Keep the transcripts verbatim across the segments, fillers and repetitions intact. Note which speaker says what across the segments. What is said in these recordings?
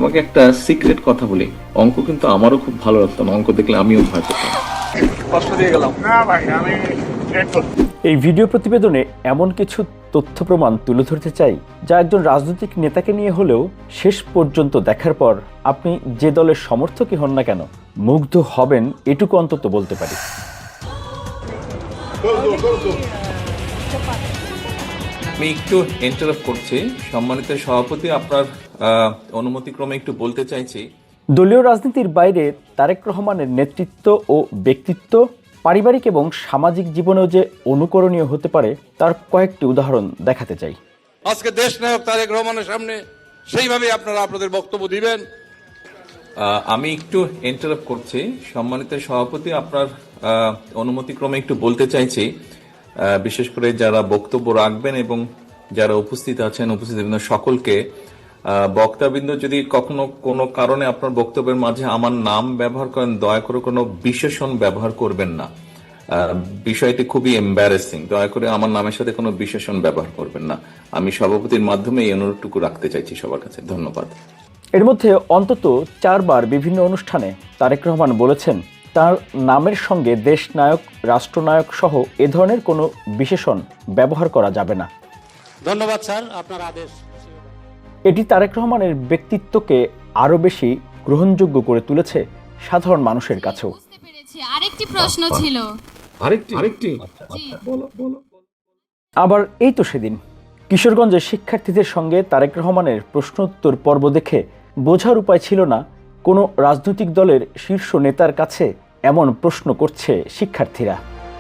Speaker 1: তোমাকে একটা সিক্রেট কথা বলি, অঙ্ক কিন্তু আমারও খুব ভালো লাগতো না, অঙ্ক দেখলে আমিও ভয় পেতাম।
Speaker 2: কষ্ট দিয়ে গেলাম না ভাই, আমি
Speaker 3: এই ভিডিও প্রতিবেদনে এমন কিছু তথ্য প্রমাণ তুলে ধরতে চাই যা একজন রাজনৈতিক নেতাকে নিয়ে হলেও শেষ পর্যন্ত দেখার পর আপনি যে দলের সমর্থকই হন না কেন মুগ্ধ হবেন এটুকু অন্তত বলতে পারি।
Speaker 1: আমি একটু ইন্টারাপ্ট করছি, সম্মানিত সভাপতি, আপনার অনুমতিক্রমে একটু বলতে চাইছি।
Speaker 3: দলীয় রাজনীতির বাইরে তারেক রহমানের নেতৃত্ব ও ব্যক্তিত্ব পারিবারিক এবং সামাজিক জীবনেও যে অনুকরণীয় হতে পারে তার কয়েকটি উদাহরণ দেখাতে চাই।
Speaker 4: আজকে দেশ নায়ক তারেক রহমানের সামনে সেইভাবে আপনারা আপনাদের বক্তব্য দিবেন।
Speaker 1: আমি একটু ইন্টারাপ্ট করছি, সম্মানিত সভাপতি, আপনার অনুমতিক্রমে একটু বলতে চাইছি, বিশেষ করে যারা বক্তব্য রাখবেন এবং যারা উপস্থিত আছেন, উপস্থিত সকলকে, বক্তাবৃন্দ যদি কখনো কোনো কারণে আপনার বক্তব্যের মাঝে আমার নাম ব্যবহার করেন, দয়া করে কোনো বিশেষণ ব্যবহার করবেন না। বিষয়টি খুবই এম্বারেসিং, দয়া করে আমার নামের সাথে কোনো বিশেষণ ব্যবহার করবেন না। আমি সভাপতির মাধ্যমে এই অনুরোধটুকু রাখতে চাইছি সবার কাছে। ধন্যবাদ।
Speaker 3: এর মধ্যে অন্তত চারবার বিভিন্ন অনুষ্ঠানে তারেক রহমান বলেছেন তার নামের সঙ্গে দেশ নায়ক, রাষ্ট্রনায়ক সহ এ ধরনের কোনো বিশেষণ ব্যবহার করা যাবে না।
Speaker 5: ধন্যবাদ স্যার, আপনার আদেশ।
Speaker 3: এটি তারেক রহমানের ব্যক্তিত্বকে আরো বেশি গ্রহণযোগ্য করে তুলেছে সাধারণ মানুষের কাছেও।
Speaker 6: আরেকটি প্রশ্ন ছিল।
Speaker 1: আরেকটি আরেকটি
Speaker 6: বলো বলো।
Speaker 3: আবার এই তো সেদিন কিশোরগঞ্জের শিক্ষার্থীদের সঙ্গে তারেক রহমানের প্রশ্ন উত্তর পর্ব দেখে বোঝার উপায় ছিল না কোনো রাজনৈতিক দলের শীর্ষ নেতার কাছে এমন প্রশ্ন করছে শিক্ষার্থীরা।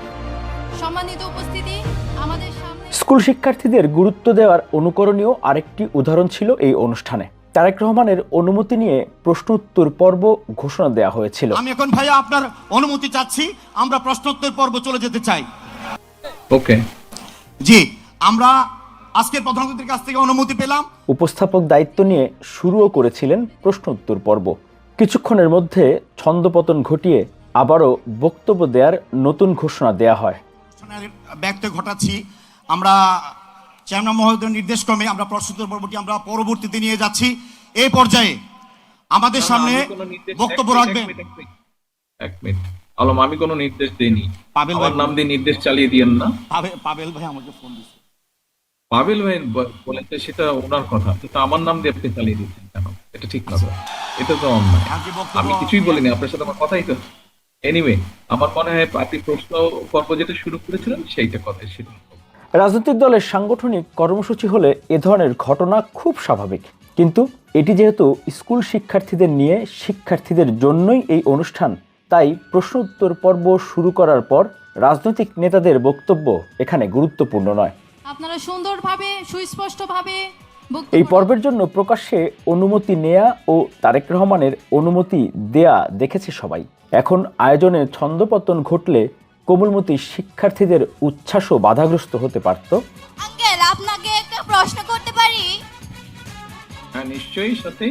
Speaker 6: সম্মানিত উপস্থিতি, আমাদের সামনে
Speaker 3: স্কুল শিক্ষার্থীদের গুরুত্ব দেওয়ার অনুকরণীয় আরেকটি উদাহরণ ছিল এই অনুষ্ঠানে। তারেক রহমানের অনুমতি নিয়ে প্রশ্ন উত্তর পর্ব ঘোষণা দেওয়া হয়েছিল।
Speaker 5: আমি এখন ভাইয়া আপনার অনুমতি চাচ্ছি, আমরা প্রশ্নোত্তর পর্ব চলে যেতে চাই।
Speaker 1: ওকে
Speaker 5: জি, আমরা আজকের প্রধানমন্ত্রীর কাছ থেকে অনুমতি পেলাম।
Speaker 3: উপস্থাপক দায়িত্ব নিয়ে শুরুও করেছিলেন প্রশ্ন উত্তর পর্ব। কিছুক্ষণের মধ্যে ছন্দপতন ঘটিয়ে আবারও বক্তব্য দেওয়ার নতুন ঘোষণা দেয়া হয়।
Speaker 5: ব্যক্ত ঘটাচ্ছি, আমরা চেয়ারম্যান মহোদয়ের নির্দেশ ক্রমে আমরা প্রশ্নোত্তর পর্বটি আমরা পরবর্তীতে নিয়ে যাচ্ছি। এই পর্যায়ে আমাদের সামনে বক্তব্য রাখবেন।
Speaker 1: এক মিনিট আলম, আমি কোনো নির্দেশ দেইনি।
Speaker 5: পাবেল
Speaker 1: আমার নাম দিয়ে নির্দেশ চালিয়ে দিয়েন না।
Speaker 5: পাবেল ভাই আমাকে ফোন দিয়েছে।
Speaker 1: পাবেল ভাই বলেছে, সেটা ওনার কথা, কিন্তু আমার নাম দিয়ে আপনি চালিয়ে দিচ্ছেন কেন? এটা ঠিক না, এটা তো অন্যায়। আমি কিছুই বলিনি, আপনার সাথে আমার কথাই তো। এনিওয়ে, আমার মনে হয় আপনি প্রশ্ন পর্ব যেটা শুরু করেছিলেন সেইটা কথা ছিল।
Speaker 3: রাজনৈতিক দলের সাংগঠনিক কর্মসূচি হলে এ ধরনের ঘটনা খুব স্বাভাবিক, কিন্তু এটি যেহেতু স্কুল শিক্ষার্থীদের নিয়ে, শিক্ষার্থীদের জন্যই এই অনুষ্ঠান, তাই প্রশ্ন উত্তর পর্ব শুরু করার পর রাজনৈতিক নেতাদের বক্তব্য এখানে গুরুত্বপূর্ণ নয়।
Speaker 6: আপনারা সুন্দরভাবে সুস্পষ্টভাবে
Speaker 3: এই পর্বের জন্য প্রকাশ্যে অনুমতি নেয়া ও তারেক রহমানের অনুমতি দেয়া দেখেছে সবাই। এখন আয়োজনে ছন্দপতন ঘটলে কোমলমতি শিক্ষার্থীদের উচ্ছ্বাসও বাধাগ্রস্ত হতে পারত।
Speaker 6: আঙ্কেল, আপনাকে একটা প্রশ্ন করতে পারি?
Speaker 1: হ্যাঁ, নিশ্চয়ই সাথে।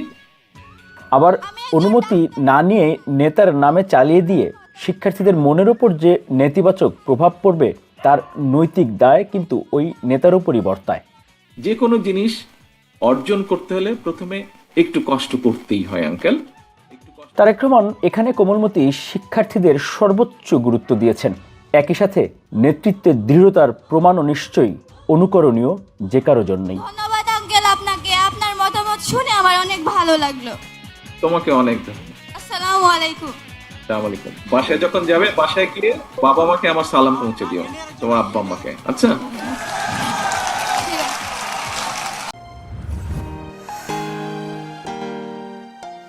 Speaker 3: আবার অনুমতি না নিয়ে নেতার নামে চালিয়ে দিয়ে শিক্ষার্থীদের মনের ওপর যে নেতিবাচক প্রভাব পড়বে তার নৈতিক দায় কিন্তু ওই নেতার উপরই বর্তায়।
Speaker 1: যে কোনো জিনিস অর্জন করতে হলে প্রথমে একটু কষ্ট করতেই হয় আঙ্কেল।
Speaker 3: তারেক রহমান এখানে কোমলমতি শিক্ষার্থীদের সর্বোচ্চ গুরুত্ব দিয়েছেন। একই সাথে নেতৃত্বের দৃঢ়তার প্রমাণও নিশ্চয়ই অনুকরণীয় যে কারো জন্যই।
Speaker 6: ধন্যবাদ আঙ্কেল আপনাকে, আপনার মতামত শুনে আমার অনেক ভালো লাগলো।
Speaker 1: তোমাকে অনেক
Speaker 6: আসসালামু আলাইকুম।
Speaker 1: আসসালামু আলাইকুম। বাসায় যখন যাবে, বাসায় গিয়ে বাবা মাকে আমার সালাম পৌঁছে দিও, তোমার আব্বা আম্মাকে। আচ্ছা।